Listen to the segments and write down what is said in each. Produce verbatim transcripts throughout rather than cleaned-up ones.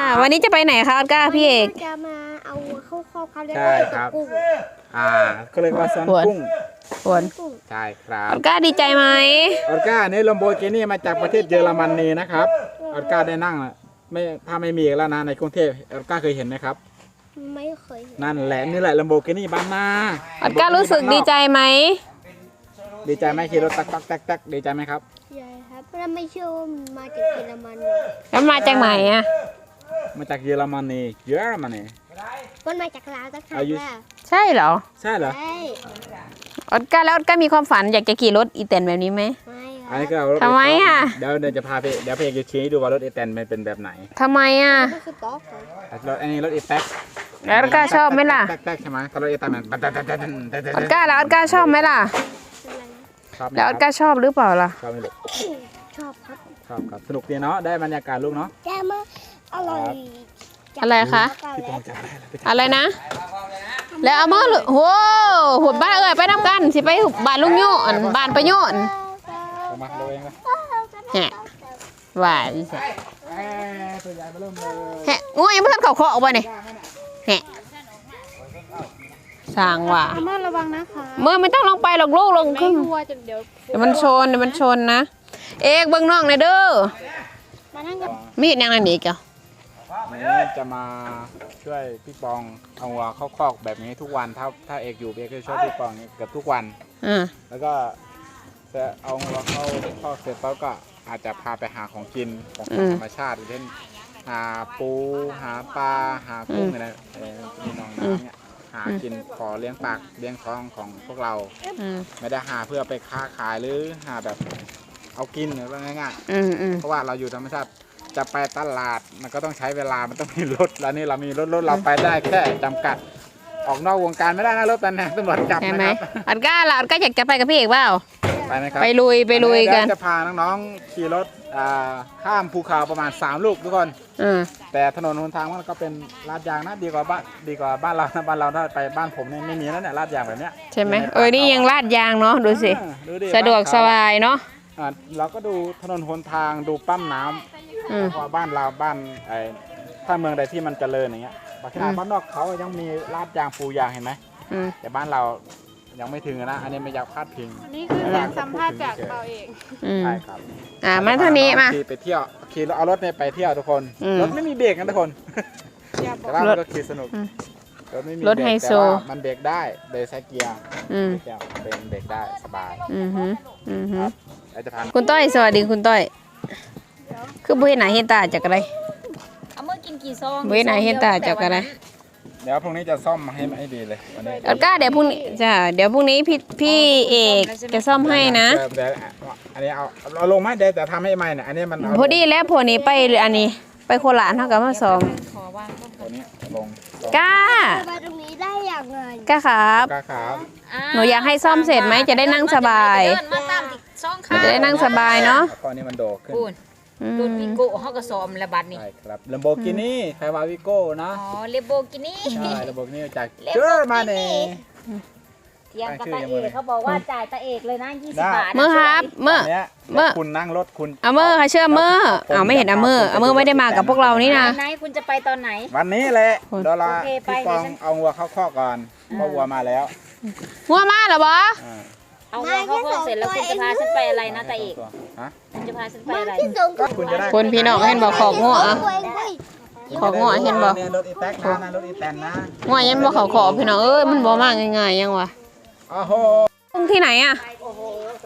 วันนี้จะไปไหนคะออสการ์พี่เอกจะมาเอาเข้าครอบเขาเรียกใช่ว่าครับกุ้งอ่าก็เรียกว่าซันกุ้งฝนใช่ครับออสการ์ดีใจไหมออสการ์นี่ลัมโบกินี่มาจากประเทศเยอรมนีนะครับออสการ์ได้นั่งไม่ถ้าไม่มีแล้วนะในกรุงเทพออสการ์เคยเห็นไหมครับไม่เคยเห็นนั่นแหละนี่แหละลัมโบกินี่บ้านนาออสการ์รู้สึกดีใจไหมดีใจไหมขี่รถตักตักตักตักดีใจไหมครับใช่ครับแล้วไม่เชื่อว่ามันมาจากเยอรมันแล้วมาจากไหนอ่ะมาจากเยอรมนีเยอรมนีมันมาจากลาวตั้งหากอายุแล้วใช่เหรอใช่เหรอใช่ออสการ์แล้วออสการ์มีความฝันอยากจะขี่รถอีแตนแบบนี้ไหมไม่คอันรันี้บก็เอารถทำไมอ่ะเดี๋ยวเดี๋ยวจะพาไปเดี๋ยวเพจจะชี้ดูว่ารถเอแตนมันเป็นแบบไหนทำไมอ่ะก็คือต๊อกเหรอรถอันนี้รถเอแท็กแล้วออสการ์ชอบไหมล่ะแท็กแท็กใช่ไหมถ้ารถเอแท็กมันออสการ์แล้วออสการ์ชอบไหมล่ะอะไรนะชอบไหมแล้วออสการ์ชอบหรือเปล่าล่ะชอบไหมลูกชอบครับชอบครับสนุกดีเนาะได้บรรยากาศลูกเนาะแจ่มากอร่อยอะไรคะพี่ปองจับได้แล้วไปอะไรนะ แล้วเอามาเลยโหหุดบ้านเอ้ยไปน้ำกันสิไปบ้านลุงโยนบ้านประโยนเอามาดูเองเลยแฮะว่าดิสิเอ้ยตัวใหญ่มาเริ่มเลยแฮะงูยังไม่ทันเขาเคาะออกไปนี่แฮะสร้างว่าอาม่าระวังนะคะเมื่อไม่ต้องลงไปหรอกลูกลงขึ้นกลัวจนเดี๋ยวเดี๋ยวมันชนเดี๋ยวมันชนนะ เอกเบิ่งน้องหน่อยเด้อมานั่งกับมีดยังไงนี่เกี่ยวนี่จะมาช่วยพี่ปองเอาวัวเข้าคอกแบบนี้ทุกวันถ้าถ้าเอกอยู่เอกก็จะช่วยพี่ปองเกือบทุกวันอ่าแล้วก็จะเอาวัวเข้าคอกเสร็จแล้วก็อาจจะพาไปหาของกินของธรรมชาติเช่นหาปูหาปลาหากุ้งอะไรเออมีน้องน้ำเนี่ยหากินขอเลี้ยงปากเลี้ยงท้องของพวกเราอืมไม่ได้หาเพื่อไปค้าขายหรือหาแบบเอากินหรือว่าง่ายอืมอืมๆเพราะว่าเราอยู่ธรรมชาติจะไปตลาดมันก็ต้องใช้เวลามันต้องมีรถแล้วนี่เรามีรถรถเราไปได้แค่จำกัด ออกนอกวงการไม่ได้นะรถตำแหน่งตำรวจจับใช่นะไหมครับอันก้าล่ะอันก้าอยากจะไปกับพี่เอกเปล่าไปไหมครับไปลุยไปลุยกันเดี๋วจะพาน้องๆขี่รถอ่าข้ามภูเขาประมาณสามลูกทุกคนอืมแต่ถนนหนทางมันก็เป็นลาดยางนะดีกว่าบ้านดีกว่าบ้านเรานะบ้านเราถ้าไปบ้านผมเนี่ยไม่มีแล้วเนี่ยลาดยางแบบเนี้ยใช่ไหมเออนี่ยังลาดยางเนาะดูสิเออดูดิสะดวกสบายเนาะอ่าเราก็ดูถนนหนทางดูปั๊มน้อืมำเพราะว่าบ้านเราบ้านไอ้ถ้าเมืองใดที่มันเจริญอย่างเงี้ยบางทีอืมบ้านนอกเขายังมีลาดยางปูยางเห็นไหมอืมแต่บ้านเรายังไม่ถึงนะอันนี้ไม่อยากพลาดพิงนี่คือเสียงสัมภาษณ์จากเราเองอืมใช่ครับอ่ามาทางนี้มาขี่ไปเที่ยวขี่เอารถเนี่ยไปเที่ยวทุกคนอืมรถไม่มีเบรกนะทุกคนอย่าบอแต่กว่ามันก็ขี่สนุกอืมรถไม่มีรถเบรกไฮโซแต่ว่ามันเบรกได้เบรกใช้เกียร์อืมเกียร์เป็นเบรกได้สบายอืมฮึอืมฮึแล้วจะพันคุณต้อยสวัสดีคุณต้อย คือบุ้ยหนาเห็นตาจากอะไรเอามื่อกินกี่ซองบุ้ยหนาเห็นตาจากอะไรเดี๋ยวพรุ่งนี้จะซ่อมมาให้ให้ดีเลยวันนี้ออสการ์เดี๋ยวพรุ่งนี้จ้ะเดี๋ยวพรุ่งนี้พี่พี่เอกจะซ่อมให้นะเดี๋ยวเดี๋ยวอันนี้เอาเอาลงไหมเดี๋ยวแต่ทำให้ใหม่เนี่ยอันนี้มันเอาพอดีแล้วพอนี้ไปอันนี้ ไปโคราชเท่ากับมาซ้อมขอวางต้นตัวนี้ลงก้ามาตรงนี้ได้อย่างไงก้าครับกาขาวหนูอยากให้ซ่อมเสร็จไหมจะได้นั่งสบายเดินมาตามติดซองมันข้าจะได้นั่งสบายเนาะแล้วก็นี่มันโดดขึ้นปูนอืมโดนวิโก้เขาก็ซ้อมระบัดนี่ใช่ครับลัมโบกินี่ไคาวาวิโก้นะอ๋อเลโบกินี่ใช่ลัมโบกินี่จากเยอรมนีเทียงกับตาเอกเขาบอกว่าจ่ายตาเอกเลยนะยี่สิได้บบาทเมื่อครับเมื่ออันเนี้ยเมื่อคุณนั่งรถคุณเอาเมื่อค่ะเชื่อเมื่อเอาไม่เห็นเอาเมื่อเอาเมื่อไม่ได้มากับพวกเรานี่นะไหนคุณจะไปตอนไหนวันนี้แหละคุณเดี๋ยวเราโอเคไปพี่ปองเดี๋ยวฉันเอาวัวเข้าคอกก่อนเพราะวัวมาแล้วงัวมาเหรอบออ่าเอาวัวเข้าคอกเสร็จแล้วคุณจะพาฉันไปอะไรนะตาเอกฮะคุณจะพาฉันไปอะไรที่สูงก็คุณจะได้คนพี่น้องเห็นบอกขอบงัวอะตัวเองเว้ยขอบงัวเห็นบอกยรถอีแท็กนะนะรถอีแตนนะงัวยันบอกเขาขอบพี่น้องเอ้ยมันบ่มากง่ายๆยังวะโอ้โหกุ้งที่ไหนอ่ะโอ้โห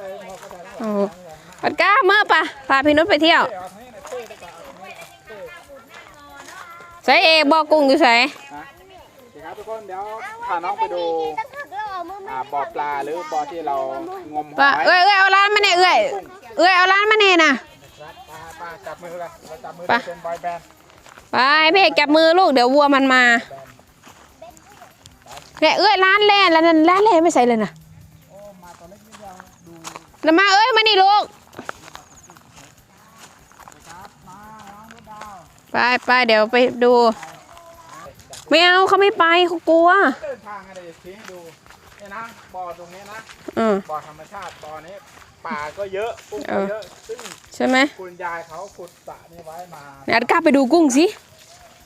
ปัดก้าเมื่อปะพาพี่นุชไปเที่ยวใส่เอกบอกกุ้งอยู่ใส่ครับทุกคนเดี๋ยวพาน้องไปดูตั้งหักแล้วเอามืออ่าบ่อปลาหรือบ่อที่เรางมหปะอยเอ้ยเอ้ยเอาร้านมาเนี่ยเอ้ยเอ้ยเอาร้านมาเนี่ยนะปลาปลาจับมือเลยเราจับมือไปเป็นบอยแบนด์ไปพี่เอกจับมือลูกเดี๋ยววัวมันมาเนี่ยเอ้ยร้านแล่นแล้วนั่นร้านแล่นไม่ใส่เลยนะแล้วมาเอ้ยมานี่ลูกไปไปเดี๋ยวไปดูไม่เอาเขาไม่ไปเขากลัวเดินทางอะไรชี้ให้ดูนี่นะบ่อตรงนี้นะอืมบ่อธรรมชาติบ่อนี้ป่าก็เยอะกุ้งก็เยอะซึ่งใช่ไหมคุณยายเขาขุดสระนี่ไว้มาเดี๋ยวกล้าไปดูกุ้งสิ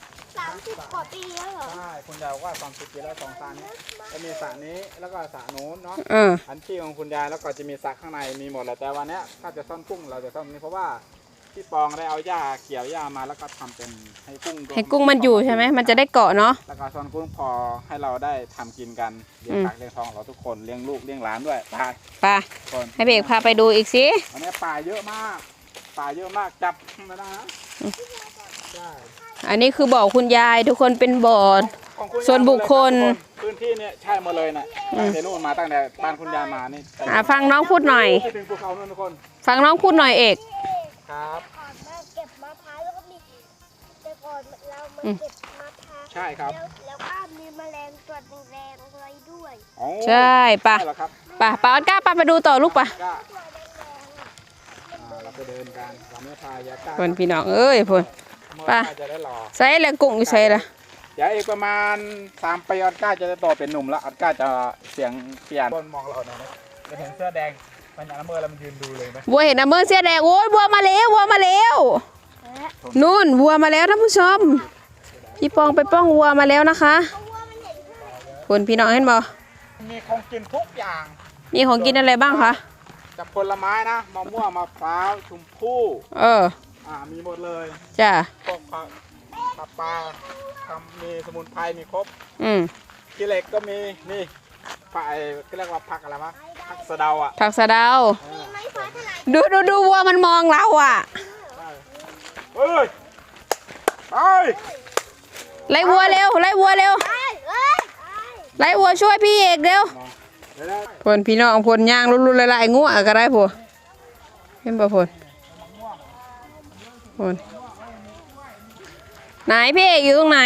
สิบกว่าปีแล้วเหรอใช่คุณยายบอกว่าสามสิบปีแล้วสองสระนี้จะมีสระนี้แล้วก็สระโน้นเนาะเอออันที่ของคุณยายแล้วก็จะมีสระข้างในมีหมดเลยแต่วันนี้ถ้าจะซ่อนกุ้งเราจะซ่อนนี้เพราะว่าพี่ปองได้เอาหญ้าเกี่ยวหญ้ามาแล้วก็ทำเป็นให้กุ้งให้กุ้งมันอยู่ใช่ไหมมันจะได้เกาะเนาะแล้วก็ซ่อนกุ้งพอให้เราได้ทำกินกันเลี้ยงปากเลี้ยงท้องเราทุกคนเลี้ยงลูกเลี้ยงหลานด้วยไปไปคนให้เบกพาไปดูอีกสิวันนี้ป่าเยอะมากป่าเยอะมากจับไม่ได้นะใช่อันนี้คือบ่อคุณยายทุกคนเป็นบ่อของคุณยายส่วนบุคคลพื้นที่เนี่ยใช่หมดเลยนะตั้งแต่นู่นมาตั้งแต่บ้านคุณยายมานี่อ่ะฟังน้องพูดหน่อยที่ถึงภูเขานู่นทุกคนฟังน้องพูดหน่อยเอกครับก่อนมาเก็บมะพร้าวแล้วก็มีแต่ก่อนเรามาเก็บมะพร้าวใช่ครับแล้วแล้วก็มีแมลงตัวแรงๆอะไรด้วยอ๋อใช่ปะใช่เหรอครับปะปะออสก้าปะไปดูต่อลูกปะก็อ่าเราไปเดินกันเราไม่พายาก้าพนพี่น้องเอ้ยพนเมื่อไปก้าจะได้หล่อใส่แล้วกุ้งอยู่ใส่ละเดี๋ยวอีกประมาณสามปีออสก้าจะได้โตเป็นหนุ่มแล้วออสก้าจะเสียงเปลี่ยนคนมองเราหน่อยนะจะเห็นเสื้อแดงมันอย่างละเมอแล้วมันยืนดูเลยไหมวัวเห็นนะเมื่อเสียแดงโอ้ยวัวมาแล้ววัวมาแล้วนู่นวัวมาแล้วท่านผู้ชมพี่ปองไปป้องวัวมาแล้วนะคะพนพี่น้องเห็นบ่มีของกินทุกอย่างมีของกินอะไรบ้างคะจากผลไม้นะมะม่วงมะพร้าวชมพู่เอออ่ามีหมดเลยจ้ะพวกผักผักปลาทำมีสมุนไพรมีครบอืมกิเหล็กก็มีนี่ผักไอ้ก็เรียกว่าผักอะไรวะผักสะเดาอ่ะผักสะเดาเออไม่ฟ้าทลายดูดูดูวัวมันมองเราอ่ะใช่เฮ้ยไปไล่วัวเร็วไล่วัวเร็วเอ้ยเอ้ยเอ้ยไล่วัวช่วยพี่เอกเร็วเดี๋ยวนะพนพี่น้องพนย่างรุนๆละลายงัวก็ได้พวเห็นป่ะพนพนไหนพี่เอกอยู่ตรงไหน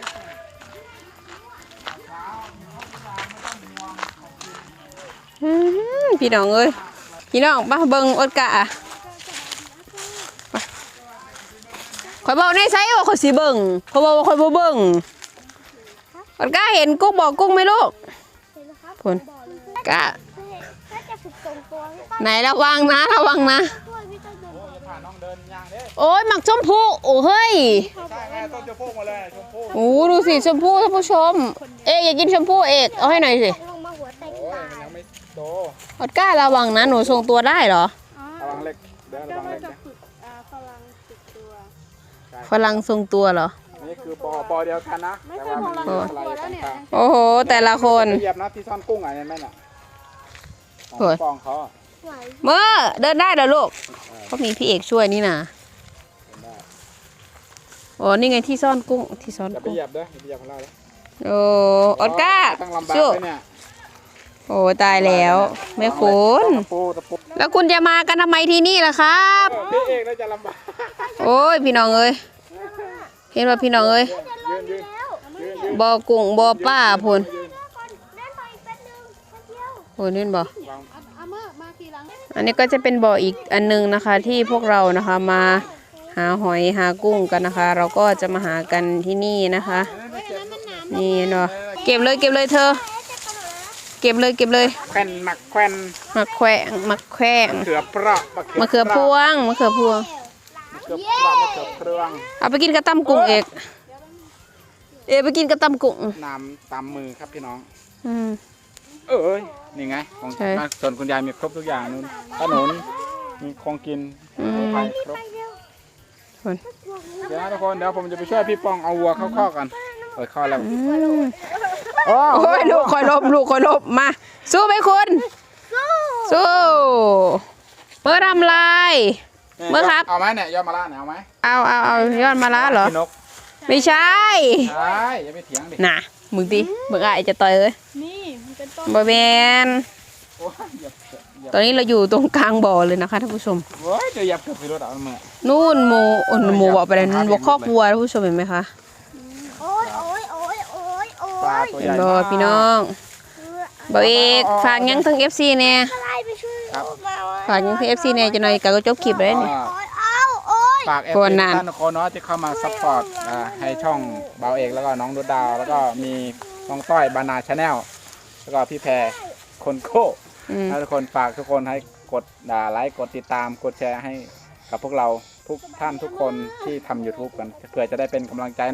อื้อหือพี่น้องเอ้ยพี่น้องป้าเบิงอดกะอะไปข่อยบอกในไซส์ว่าข่อยสิเบิงข่อยบอกว่าข่อยบ่เบิงอดกะเห็นกุ้งบอกกุ้งไหมลูกเห็นไหมครับพนกะถ้าจะฝึกส่งตัวพี่ต้นไหนระวังนะระวังนะช่วยพี่ต้นเดินโอ้ยผ่านน้องเดินยางเด้โอ้ยหมักชมพู่โอ้เฮ้ยใช่ไงต้นจะพุ่งมาเลยชมพู่โอ้ดูสิชมพู่ท่านผู้ชม เอกอยากกินชมพู่เอกเอาให้หน่อยสิลงมาหัวแตกโอ้ยตามันยยังไม่โตอดก้าระวังนะหนูทรงตัวได้เหรอระวังเล็กเดี๋ยวระวังเล็กนะฝรั่งติดตัวฝรั่งทรงตัวเหรอนี่คือปอปอเดียวกันนะแต่ว่ามันมีอะไรต่างโอ้โหแต่ละคนๆเหยียบนะที่ซ่อนกุ้งอ่ะเห็นไหมน่ะของโอ้ยปองเขาอ่ะไหวเมื่อเดินได้เหรอลูกเขามีพี่เอกช่วยนี่นะเห็นได้โอ้นี่ไงที่ซ่อนกุ้งที่ซ่อนอย่าไปกุ้งเหยียบเด้ออย่าไปเหยียบของเราเลยโอ้อดก้าต้องลำบากสู้เลยเนี่ยโอ้ตายแล้วไม่คุ้นตะปูตะปูแล้วคุณจะมากันทำไมที่นี่ล่ะครับเออพี่เอกน่าจะลำบากโอ้ยพี่น้องเอ้ยเห็นว่าพี่น้องเอ้ยยืนยืนยืนยืนบ่อกุ้งบ่อป้าพนยืนเล่นไปอีกแป๊บนึงแป๊บเดียวพนนี่บ่วางอาเมื่อมาทีหลังอันนี้ก็จะเป็นบ่ออีกอันนึงนะคะ ที่พวกเรานะคะมาหาหอยหากุ้งกันนะคะ เราก็จะมาหากันที่นี่นะคะ นี่เนาะเก็บเลยเก็บเลยเธอ เก็บเลยเก็บเลยแควนหมักแควนมะแขวงมะแขวงเขือเปราะมะเขือพวงมะเขือพวงมะเขือเปราะมะเขือเครื่องเอาไปกินกระตำกุ้งเอกเอกไปกินกระตำกุ้งน้ำตามมือครับพี่น้องอืมเอ้ยนี่ไงของใช่บ้านส่วนคุณยายมีครบทุกอย่างนู่นขนมมีของกินอืมไปครบคนเดี๋ยวนะทุกคนเดี๋ยวผมจะไปช่วยพี่ปองเอาวัวเข้าคอกกันเปิดคอกแล้วอืมโอ้โอ้ยลูกคอยลบลูกคอยลบมา สู้ไหมคุณสู้เมื่อทำลาย เมื่อครับเอาไหมเนี่ยยอดมะระเนี่ยเอาไหมเอาเอาเอายอดมาละเหรอพี่นกไม่ใช่ใช่อย่าไปเถียงดิน่ะมึงดิมึงอ่ะไอจะต่อยเอ้ยนี่มันเป็นต้นบอแมนโอ้ยอย่าอย่าตอนนี้เราอยู่ตรงกลางบ่อเลยนะคะท่านผู้ชมโอ้ยเดี๋ยวอย่าเกือบไปรถเอาเมื่อนู่นหมูอ่นหมูบอกไปเลยนู่นบอกคอกวัวท่านผู้ชมเห็นไหมคะโอ้ยโอ้ยโอ้ยโอ้ยโอ้ปลาย ตัวเห็ใหนญ่บ่มากพี่น้องบ่เอกฝากยังทั้ง เอฟ ซี เนี่ยอะไรไปช่วยเอามาฝากยังทั้ง เอฟ ซี เนี่ยจะหน่อยกะก็จบคลิปเลยนี่โอ้ยเอาโอ้ยฝากเอฟคนซีน่ะท่านทุกคนเนาะที่เข้ามาซัพพอร์ตอ่าให้ช่องเบาเอกแล้วก็น้องดุดดาวแล้วก็มีน้องต้อยบานาชาแนลแล้วก็พี่แพรคนโก้อืมให้ทุกคนฝากทุกคนให้กดด่าไลค์กดติดตามกดแชร์ให้กับพวกเราทุกท่านทุกคนที่ทำ ยูทูบ กันเพื่อจะได้เป็นกำลังใจเนาะ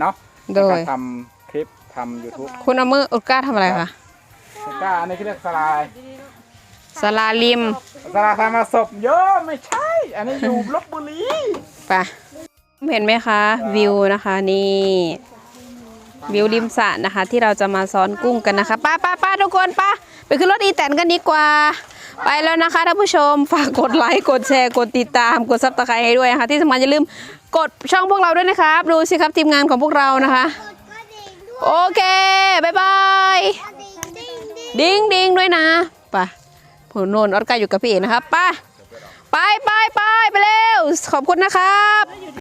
โดยในการทำคลิปทำ YouTube คุณเอามืออุดก้าทำอะไรคะอุดก้าอันนี้เขาเรียกสลายสลาลิมสลายทำมาศพเยอะไม่ใช่ อันนี้อยู่ลบบุรีไปเห็นไหมคะวิวนะคะนี่วิวริมสระนะคะ ที่เราจะมาซ้อนกุ้งกันนะคะป้าป้าป้าทุกคนป้าไปขึ้นรถอีแตนกันดีกว่า ไปแล้วนะคะท่านผู้ชมฝากกดไลค์กดแชร์กดติดตามกดซับสไครต์ให้ด้วยนะคะที่สำคัญอย่าลืมกดช่องพวกเราด้วยนะครับดูสิครับทีมงานของพวกเรานะคะกระดิ่งด้วยโอเคบายบายกระดิ่งดิ่งดิ่งดิ้งดิ้งด้วยนะไปผู้โนนออสการ์อยู่กับพี่เอกนะครับไปไปไปไปไปเร็วขอบคุณนะครับ